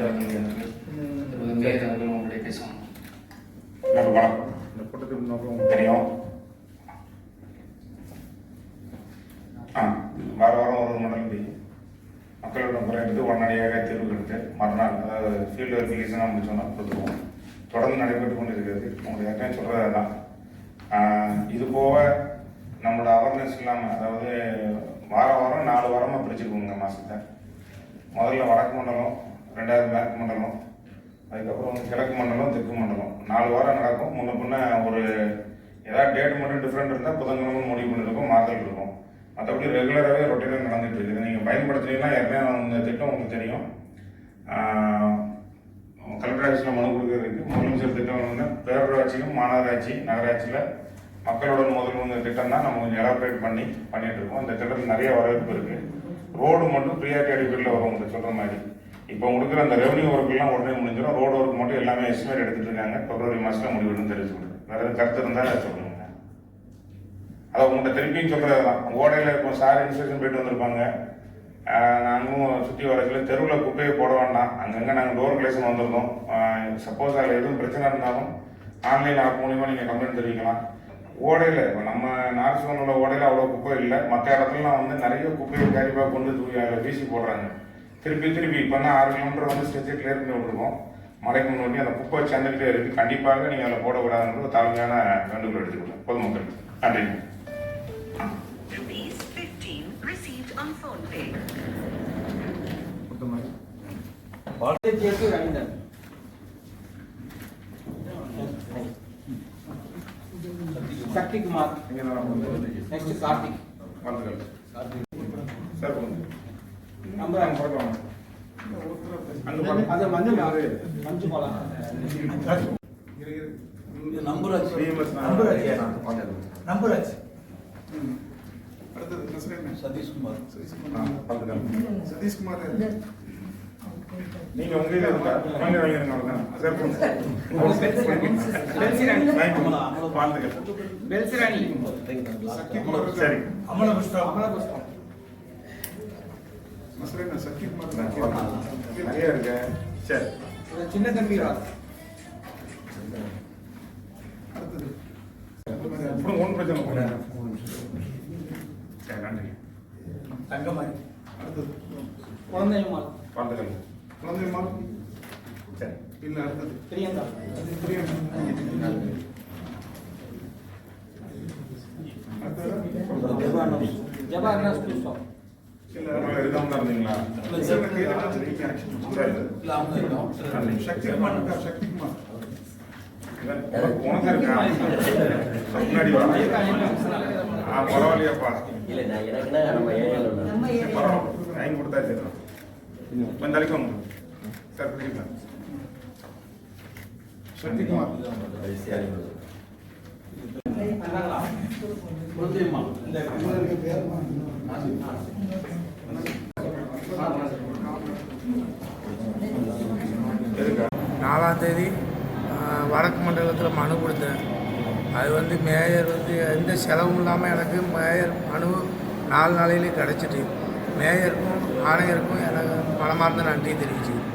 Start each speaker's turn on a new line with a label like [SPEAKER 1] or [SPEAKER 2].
[SPEAKER 1] அவர்கள் உங்களுடைய பேசுவாங்க.
[SPEAKER 2] வணக்கம். இந்த கூட்டத்தின் நோக்கம் உங்களுக்கு தெரியும். வார வாரம் ஒரு மண்டலம் தெரியும். மக்களோட முறை எடுத்து உடனடியாக தீர்வு எடுத்து மறுநாள் அதாவது ஃபீல்டு வெரிஃபிகேஷனாக முடிச்சோன்னா கொடுத்துருவோம். தொடர்ந்து நடைபெற்று கொண்டு இருக்கிறது. உங்களுக்கு ஏற்கனவே சொல்கிறது தான். இது போக நம்மளோட அவேர்னஸ் இல்லாமல் அதாவது வாரம் 4 வாரமாக பிரிச்சுக்குவோங்க மாதத்தை. முதல்ல வடக்கு மண்டலம், 2வது மேற்கு மண்டலம், அதுக்கப்புறம் கிழக்கு மண்டலம், தெற்கு மண்டலம் 4 வாரம் நடக்கும். முன்ன பின்ன ஒரு ஏதாவது டேட் மட்டும் டிஃப்ரெண்ட் இருந்தால் புதன்கிழமை முடிவு பண்ணியிருக்கோம், மாதல் இருக்கும். மற்றபடி ரெகுலராகவே ரொட்டீனாக நடந்துகிட்டு இருக்குது. நீங்கள் பயன்படுத்துனீங்கன்னா ஏற்கனவே இந்த திட்டம் உங்களுக்கு தெரியும். கலெக்டர் ஆஃபீஸில் மனு கொடுக்கறதுக்கு முதலமைச்சர் திட்டம் வந்து பேரூராட்சியும் மாநகராட்சி நகராட்சியில் மக்களோட முதல்வங்க திட்டம் தான் நம்ம கொஞ்சம் எலாபரேட் பண்ணிட்டு இருக்கோம். இந்த திட்டத்தில் நிறைய வரவேற்பு இருக்குது. ரோடு மட்டும் ப்ரியாரிட்டி அடிப்படையில் வரும். உங்களுக்கு சொல்கிற மாதிரி இப்போ கொடுக்குற அந்த ரெவன்யூ ஒர்க்கெல்லாம் உடனே முடிஞ்சிடும். ரோடு ஒர்க் மட்டும் எல்லாமே எஸ்டிமேட் எடுத்துகிட்டு இருக்காங்க. பிப்ரவரி மாதத்தில் முடிவுன்னு தெரிஞ்சு கொடுங்க. வேறு கருத்து இருந்தால் சொல்லுங்க. அதை உங்கள்கிட்ட திருப்பியும் சொல்கிறது தான். ஓடையில் இப்போ சார் இன்ஸ்பெக்ஷன் போயிட்டு வந்திருப்பாங்க. நாங்களும் சுற்றி வரதுல தெருவில் குப்பையை போட வேண்டாம். அங்கங்கே நாங்கள் டோர் கிளேஷன் வந்திருந்தோம். சப்போஸ் அதில் எதுவும் பிரச்சனை இருந்தாலும் ஆன்லைன் ஆப் மூலிமா நீங்கள் கம்ப்ளைண்ட் தெரிவிக்கலாம். ஓடையில் இப்போ நம்ம நார்த் உள்ள ஓடையில் அவ்வளோ குப்பை இல்லை. மற்ற இடத்துலலாம் வந்து நிறைய குப்பையை கேரிப்பாக கொண்டு அதில் வீசி போடுறாங்க. திருப்பி இப்போ தான் 6 கிலோமீட்டர் வந்து ஸ்ட்ரெச்சை கிளியர் பண்ணி விட்ருக்கோம். மழைக்கு முன்னாடி அந்த குப்பை சேர்ந்துக்கிட்டே இருக்குது. கண்டிப்பாக நீங்கள் அதில் போடக்கூடாதுன்ற தாழ்மையான வேண்டுகோள் எடுத்துக்கலாம் பொதுமக்கள். நன்றி.
[SPEAKER 3] Shakti Kumar next Karthik
[SPEAKER 2] sir
[SPEAKER 3] number அது மஞ்சள் மஞ்சள் போலாம் நம்பர் ஆச்சு
[SPEAKER 2] அடுத்து
[SPEAKER 3] சதீஷ் குமார்
[SPEAKER 2] சதீஷ் குமார் நீங்க உங்க இதுல இருக்கா வாங்க வாங்க சார்
[SPEAKER 3] பெல்சிராணி
[SPEAKER 2] சரி
[SPEAKER 3] அமல புஷ்பம்
[SPEAKER 2] மசரேனா சக்தி குமார் நிறைய இருக்கு. சரி
[SPEAKER 3] சின்ன தம்பி ராஜ்
[SPEAKER 2] அடுத்து அப்புறம் ஒன் பிரச்சனை போறேன். சரி நன்றி.
[SPEAKER 3] தங்கமாரி அடுத்து குழந்தைமால்
[SPEAKER 2] குழந்தைமால் சரி இல்ல அடுத்தது
[SPEAKER 3] பிரியங்கா ஜபார்னஸ் புஷ்பம்
[SPEAKER 2] இல்ல இருக்காம தான் இருந்தீங்களா? சக்தி குமார் உனக்கு இருக்கா முன்னாடி பரவாயில்லையாப்பா டைம் கொடுத்தா தெரியும். கொஞ்சம் தலைக்கும் சார் பிடிக்கலாம். சக்தி குமார்
[SPEAKER 4] நாலாம் தேதி வடக்கு மண்டலத்தில் மனு கொடுத்தேன். அது வந்து மேயர் வந்து எந்த செலவும் இல்லாமல் எனக்கு மேயர் மனு 4 நாளையிலே கிடச்சிட்டு மேயருக்கும் ஆணையருக்கும் எனக்கு மனமார்ந்த நன்றி தெரிவிச்சுக்கிறேன்.